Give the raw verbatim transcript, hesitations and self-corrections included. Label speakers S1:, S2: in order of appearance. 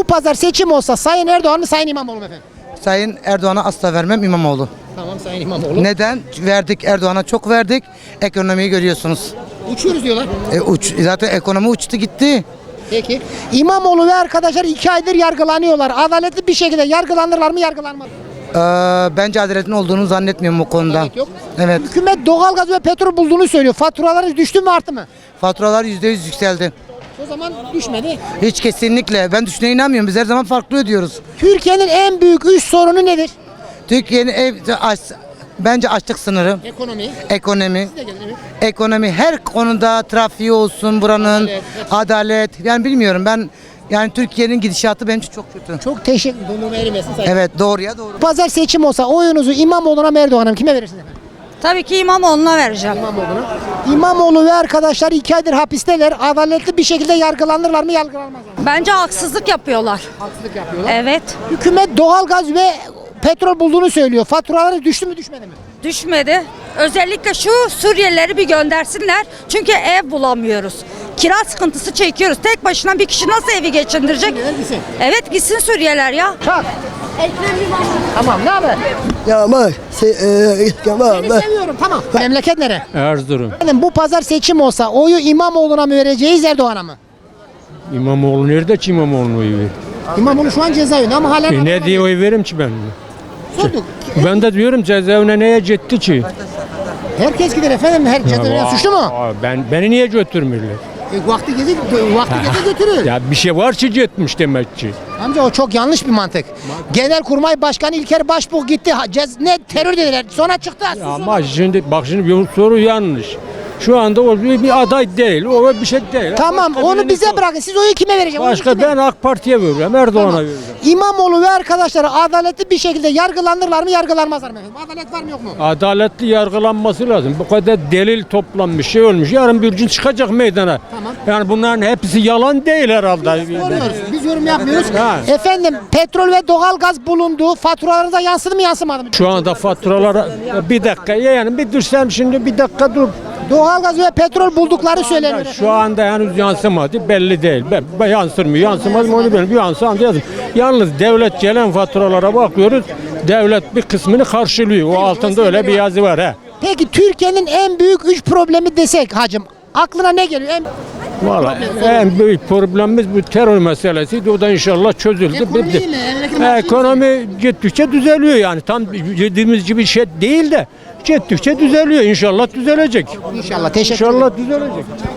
S1: Bu pazar seçim olsa Sayın Erdoğan mı Sayın İmamoğlu mu efendim?
S2: Sayın Erdoğan'a asla vermem, İmamoğlu.
S1: Tamam Sayın İmamoğlu.
S2: Neden? Verdik, Erdoğan'a çok verdik. Ekonomiyi görüyorsunuz.
S1: Uçuyoruz diyorlar.
S2: E, uç, zaten ekonomi uçtu gitti.
S1: Peki. İmamoğlu ve arkadaşlar iki aydır yargılanıyorlar. Adaletli bir şekilde yargılanırlar mı yargılanmaz mı?
S2: Ee, bence adaletin olduğunu zannetmiyorum bu konuda.
S1: Adalet yok.
S2: Evet.
S1: Hükümet doğalgaz ve petrol bulduğunu söylüyor. Faturaları düştü mü arttı mı?
S2: Faturalar yüzde yüz yükseldi.
S1: O zaman düşmedi.
S2: Hiç kesinlikle. Ben düşüne inanmıyorum. Biz her zaman farklı ödüyoruz.
S1: Türkiye'nin en büyük üç sorunu nedir?
S2: Türkiye'nin ev, aç, bence açlık sınırı,
S1: Ekonomi.
S2: ekonomi, ekonomi her konuda trafiği olsun buranın,
S1: Adalet,
S2: adalet. Yani bilmiyorum ben yani Türkiye'nin gidişatı benim için çok kötü.
S1: Çok teşekkür ederim.
S2: Evet doğruya doğru.
S1: Pazar seçim olsa oyunuzu İmamoğlu'na mı Erdoğan'a mı? Kime verirsiniz efendim?
S3: Tabii ki İmamoğlu'na vereceğim.
S1: İmamoğlu'na. İmamoğlu ve arkadaşlar iki aydır hapisteler. Adaletli bir şekilde yargılanırlar mı yargılanmazlar mı?
S3: Bence haksızlık yapıyorlar.
S1: Haksızlık yapıyorlar.
S3: Evet.
S1: Hükümet doğalgaz ve petrol bulduğunu söylüyor. Faturaları düştü mü düşmedi mi?
S3: Düşmedi. Özellikle şu Suriyelileri bir göndersinler. Çünkü ev bulamıyoruz. Kira sıkıntısı çekiyoruz. Tek başına bir kişi nasıl evi geçindirecek?
S1: Suriyeliler gitsin.
S3: Evet gitsin Suriyeliler ya.
S1: Çak. Tamam ne haber?
S4: Ya ama şey, e, Kemal
S1: Seni
S4: ben
S1: seviyorum tamam. Memleket nere?
S5: Erzurum.
S1: Efendim bu pazar seçim olsa oyu İmamoğlu'na mı vereceğiz Erdoğan'a mı?
S5: İmamoğlu nerede ki İmamoğlu'na oy verir?
S1: İmamoğlu şu an cezaevinde ama hala...
S5: E ne diye oy veririm ki ben?
S1: Sorduk.
S5: Ben de diyorum cezaevine neye gitti ki?
S1: Herkes gider efendim. Her cezaevine suçlu mu?
S5: Aa, Ben beni niye götürmüyorlar?
S1: E, vakti gezi, vakti gezi götürür.
S5: Ya bir şey var ki gitmiş demek ki.
S1: Amca o çok yanlış bir mantık. Genelkurmay Başkanı İlker Başbuğ gitti. Ha, cez, ne terör dediler. Sonra çıktı.
S5: Ya ama şimdi bak şimdi bir soru yanlış. Şu anda o bir, bir aday değil. O bir şey değil.
S1: Tamam
S5: Başka
S1: onu
S5: birini
S1: bize
S5: sor.
S1: bırakın. Siz oyu kime vereceksiniz?
S5: Başka
S1: Oyu kime?
S5: ben AK Parti'ye veriyorum. Erdoğan'a
S1: Tamam.
S5: veriyorum.
S1: İmamoğlu ve arkadaşları adaletli bir şekilde yargılanırlar mı yargılanmazlar mı efendim? Adalet var mı yok mu?
S5: Adaletli yargılanması lazım. Bu kadar delil toplanmış şey olmuş. Yarın bir gün çıkacak meydana.
S1: Tamam.
S5: Yani bunların hepsi yalan değil herhalde.
S1: Soruyoruz. Biz yorum yapmıyoruz.
S5: Ha.
S1: Efendim petrol ve doğalgaz bulundu. Faturalarınıza yansıdı mı yansımadı mı?
S5: Şu anda faturalara bir dakika yani bir dursam şimdi bir dakika dur.
S1: Doğalgaz ve petrol buldukları söyleniyor.
S5: Şu anda henüz yansımadı belli değil. Ben, ben yansır mı yansımaz mı onu bilmiyorum. Bir yansımadı yazım. Yalnız devlet gelen faturalara bakıyoruz. Devlet bir kısmını karşılıyor. O altında öyle bir yazı var he.
S1: Peki Türkiye'nin en büyük üç problemi desek hacım aklına ne geliyor? En...
S5: Vallahi en büyük problemimiz bu terör meselesiydi. O da inşallah çözüldü.
S1: Ekonomi
S5: bitti.
S1: iyi mi? Emekli maaşı iyi mi?
S5: Ekonomi gittikçe düzeliyor yani. Tam dediğimiz gibi şey değil de gittikçe düzeliyor. İnşallah düzelecek.
S1: İnşallah teşekkür ederim.
S5: İnşallah düzelecek.